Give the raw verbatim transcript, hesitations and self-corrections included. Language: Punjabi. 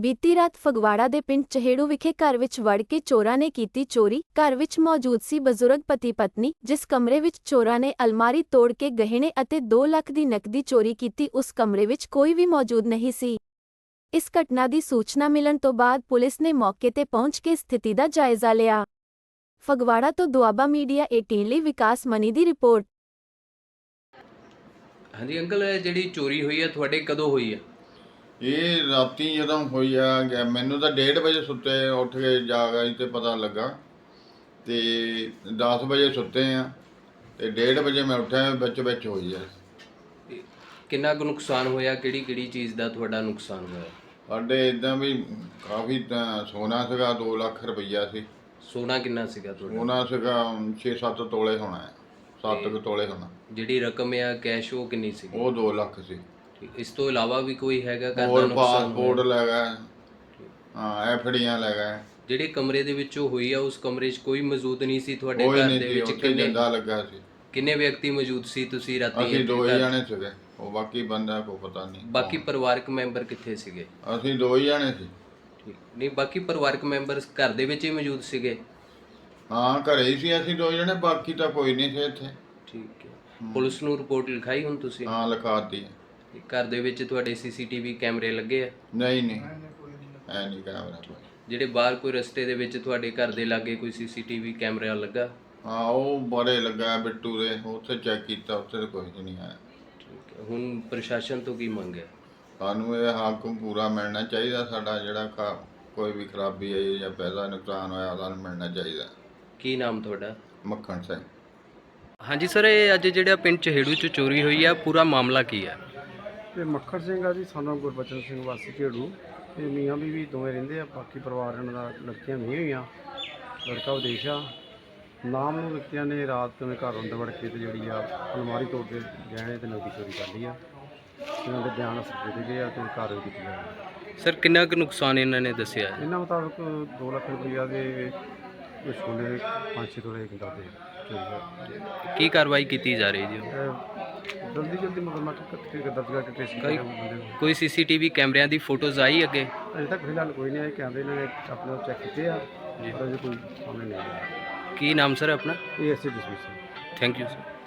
ਬੀਤੀ ਰਾਤ ਫਗਵਾੜਾ ਦੇ ਪਿੰਡ ਚਹੇੜੂ ਵਿਖੇ ਘਰ ਵਿੱਚ ਵੜ ਕੇ ਚੋਰਾਂ ਨੇ ਕੀਤੀ ਚੋਰੀ। ਘਰ ਵਿੱਚ ਮੌਜੂਦ ਸੀ ਬਜ਼ੁਰਗ ਪਤੀ ਪਤਨੀ। ਜਿਸ ਕਮਰੇ ਵਿੱਚ ਚੋਰਾਂ ਨੇ ਅਲਮਾਰੀ ਤੋੜ ਕੇ ਗਹਿਣੇ ਅਤੇ ਦੋ ਲੱਖ ਦੀ ਨਕਦੀ ਚੋਰੀ ਕੀਤੀ, ਉਸ ਕਮਰੇ ਵਿੱਚ ਕੋਈ ਵੀ ਮੌਜੂਦ ਨਹੀਂ ਸੀ। ਇਸ ਘਟਨਾ ਦੀ ਸੂਚਨਾ ਮਿਲਣ ਤੋਂ ਬਾਅਦ ਪੁਲਿਸ ਨੇ ਮੌਕੇ ਤੇ ਪਹੁੰਚ ਕੇ ਸਥਿਤੀ ਦਾ ਜਾਇਜ਼ਾ ਲਿਆ। ਫਗਵਾੜਾ ਤੋਂ ਦੁਆਬਾ ਮੀਡੀਆ ਅਠਾਰਹ ਲਈ ਵਿਕਾਸ ਮਨੀ ਦੀ ਰਿਪੋਰਟ। हाँ जी अंकल, जी चोरी हुई है थोड़े कदों हुई है? ਇਹ ਰਾਤੀ ਜਦੋਂ ਹੋਈ ਆ, ਮੈਨੂੰ ਤਾਂ ਡੇਢ ਵਜੇ ਸੁੱਤੇ ਉੱਠ ਕੇ ਜਾਗ ਆਈ ਤੇ ਪਤਾ ਲੱਗਾ ਤੇ ਦਸ ਵਜੇ ਸੁੱਤੇ ਆ ਤੇ ਡੇਢ ਵਜੇ ਮੈਂ ਉੱਠਿਆ, ਵਿੱਚ ਵਿੱਚ ਹੋਈ ਆ। ਕਿੰਨਾ ਕੁ ਨੁਕਸਾਨ ਹੋਇਆ, ਕਿਹੜੀ ਕਿਹੜੀ ਚੀਜ਼ ਦਾ ਤੁਹਾਡਾ ਨੁਕਸਾਨ ਹੋਇਆ? ਸਾਡੇ ਇਦਾਂ ਵੀ ਕਾਫੀ ਤਾਂ ਸੋਨਾ ਸੀਗਾ, ਦੋ ਲੱਖ ਰੁਪਈਆ ਸੀ। ਸੋਨਾ ਕਿੰਨਾ ਸੀਗਾ ਤੁਹਾਡਾ? ਸੋਨਾ ਸੀਗਾ ਛੇ ਸੱਤ ਤੋਲੇ ਹੋਣਾ ਹੈ, ਸੱਤ ਕੁ ਤੋਲੇ ਹੋਣਾ। ਜਿਹੜੀ ਰਕਮ ਆ ਕੈਸ਼ ਉਹ ਕਿੰਨੀ ਸੀ? ਉਹ ਦੋ ਲੱਖ ਸੀ। ਇਸ ਤੋਂ ਇਲਾਵਾ ਵੀ ਕੋਈ ਹੈਗਾ ਘਰ ਦਾ ਹੋਰ ਨੁਕਸਾਨ? ਪਾਸਪੋਰਟ ਲੈ ਗਏ, ਹਾਂ ਐਫਡੀਆਂ ਲੈ ਗਏ। ਜਿਹੜੇ ਕਮਰੇ ਦੇ ਵਿੱਚ ਉਹ ਹੋਈ ਆ ਉਸ ਕਮਰੇ 'ਚ ਕੋਈ ਮੌਜੂਦ ਨਹੀਂ ਸੀ ਤੁਹਾਡੇ ਕੋਈ ਘਰ ਨਹੀਂ ਦੇ ਸੀ, ਵਿੱਚ? ਉੱਥੇ ਕਿੰਨੇ ਜਿੰਦਾ ਲੱਗਾ ਸੀ। ਕਿੰਨੇ ਵਿਅਕਤੀ ਮੌਜੂਦ ਸੀ ਤੁਸੀਂ ਰਾਤੀ? ਅਸੀਂ ਦੋ ਹੀ ਘਰ- ਜਾਣੇ ਸੀਗੇ, ਉਹ ਬਾਕੀ ਬੰਦਾ ਕੋਈ ਪਤਾ ਨਹੀਂ। ਬਾਕੀ ਪਰਿਵਾਰਕ ਮੈਂਬਰ ਕਿੱਥੇ ਸੀਗੇ? ਅਸੀਂ ਦੋ ਹੀ ਜਾਣੇ ਸੀ। ਠੀਕ ਨਹੀਂ, ਬਾਕੀ ਪਰਿਵਾਰਕ ਮੈਂਬਰ ਘਰ ਦੇ ਵਿੱਚ ਹੀ ਮੌਜੂਦ ਸੀਗੇ? ਹਾਂ ਘਰੇ ਹੀ ਸੀ ਅਸੀਂ ਦੋ ਜਣੇ, ਬਾਕੀ ਤਾਂ ਕੋਈ ਨਹੀਂ ਸੀ ਇੱਥੇ। ਠੀਕ ਹੈ। ਪੁਲਿਸ ਨੂੰ ਰਿਪੋਰਟ ਲਿਖਾਈ ਹੁਣ ਤੁਸੀਂ? ਹਾਂ ਲਿਖਾਤੀ। ਘਰ ਦੇ ਵਿੱਚ ਤੁਹਾਡੇ ਸੀਸੀਟੀਵੀ ਕੈਮਰੇ ਲੱਗੇ ਆ? ਨਹੀਂ ਨਹੀਂ ਐ ਨਹੀਂ ਕੈਮਰਾ ਕੋਈ। ਜਿਹੜੇ ਬਾਹਰ ਕੋਈ ਰਸਤੇ ਦੇ ਵਿੱਚ ਤੁਹਾਡੇ ਘਰ ਦੇ ਲਾਗੇ ਕੋਈ ਸੀਸੀਟੀਵੀ ਕੈਮਰਾ ਲੱਗਾ? ਹਾਂ ਉਹ ਬੜੇ ਲੱਗਾ ਬਿੱਟੂ ਦੇ, ਉੱਥੇ ਚੈੱਕ ਕੀਤਾ, ਉੱਥੇ ਤਾਂ ਕੁਝ ਨਹੀਂ ਆਇਆ। ਠੀਕ ਹੈ। ਹੁਣ ਪ੍ਰਸ਼ਾਸਨ ਤੋਂ ਕੀ ਮੰਗ ਹੈ? ਸਾਨੂੰ ਇਹ ਹੱਕ ਪੂਰਾ ਮਿਲਣਾ ਚਾਹੀਦਾ, ਸਾਡਾ ਜਿਹੜਾ ਕ- ਕੋਈ ਵੀ ਖਰਾਬੀ ਆਈ ਜਾਂ ਪੈਸਾ ਨੁਕਸਾਨ ਹੋਇਆ ਸਾਨੂੰ ਮਿਲਣਾ ਚਾਹੀਦਾ। ਕੀ ਨਾਮ ਤੁਹਾਡਾ? ਮੱਖਣ ਸਿੰਘ। ਹਾਂਜੀ ਸਰ, ਇਹ ਅੱਜ ਜਿਹੜਾ ਪਿੰਡ ਚਹੇੜੂ 'ਚ ਚੋਰੀ ਹੋਈ ਆ, ਪੂਰਾ ਮਾਮਲਾ ਕੀ ਹੈ? ਇਹ ਮੱਖਣ ਸਿੰਘ ਆ ਜੀ, ਸਾਨੂੰ ਗੁਰਬਚਨ ਸਿੰਘ ਵਾਸੀ ਝੇੜੂ। ਇਹ ਮੀਆਂ ਬੀਵੀ ਦੋਵੇਂ ਰਹਿੰਦੇ ਆ, ਬਾਕੀ ਪਰਿਵਾਰ ਇਹਨਾਂ ਦਾ ਲੜਕੀਆਂ ਨਹੀਂ ਹੋਈਆਂ, ਲੜਕਾ ਵਿਦੇਸ਼ ਆ। ਨਾਮ ਨੂੰ ਵਿਅਕਤੀਆਂ ਨੇ ਰਾਤ ਨੂੰ ਘਰ ਅੰਦਰ ਵੜ ਕੇ ਤੇ ਜਿਹੜੀ ਆ ਅਲਮਾਰੀ ਤੋੜ ਕੇ ਗਹਿਣੇ ਤੇ ਨਕਦੀ ਚੋਰੀ ਕਰ ਲਈ ਆ। ਇਹਨਾਂ ਦੇ ਬਿਆਨ ਅਸਰ ਦੇ ਗਏ ਆ ਤੇ ਕਾਰਵਾਈ ਕੀਤੀ ਜਾ ਰਹੀ ਹੈ। ਸਰ ਕਿੰਨਾ ਕੁ ਨੁਕਸਾਨ ਇਹਨਾਂ ਨੇ ਦੱਸਿਆ? ਇਹਨਾਂ ਮੁਤਾਬਕ ਦੋ ਲੱਖ ਰੁਪਈਆ ਦੇ ਸੋਨੇ ਦੇ ਪੰਜ ਛੇ ਤੋਲੇ ਦੇ ਚੋਰੀ ਹੋਈ। ਕੀ ਕਾਰਵਾਈ ਕੀਤੀ ਜਾ ਰਹੀ ਜੀ? ਇਹ ਜਲਦੀ ਜਲਦੀ ਮੁਕੱਦਮਾ ਦਰਜ ਕਰਕੇ ਟ੍ਰੇਸ ਕੋਈ- ਕਰਾਂਗੇ ਬੰਦੇ ਨੂੰ। ਕੋਈ ਸੀਸੀਟੀਵੀ ਕੈਮਰਿਆਂ ਦੀ ਫੋਟੋਜ਼ ਆਈ ਅੱਗੇ? ਅਜੇ ਤੱਕ ਫਿਲਹਾਲ ਕੋਈ ਨਹੀਂ ਆਇਆ, ਕੈਮਰੇ ਇਹਨਾਂ ਨੇ ਆਪਣੇ ਚੈੱਕ ਕੀਤੇ ਆ ਜੀ, ਪਰ ਅਜੇ ਕੋਈ ਸਾਹਮਣੇ ਨਹੀਂ ਆਇਆ। ਕੀ ਨਾਮ ਸਰ ਆਪਣਾ? ਇਹ ਐਸੀ ਡਿਸਮਿਸ ਥੈਂਕ ਯੂ ਸਰ।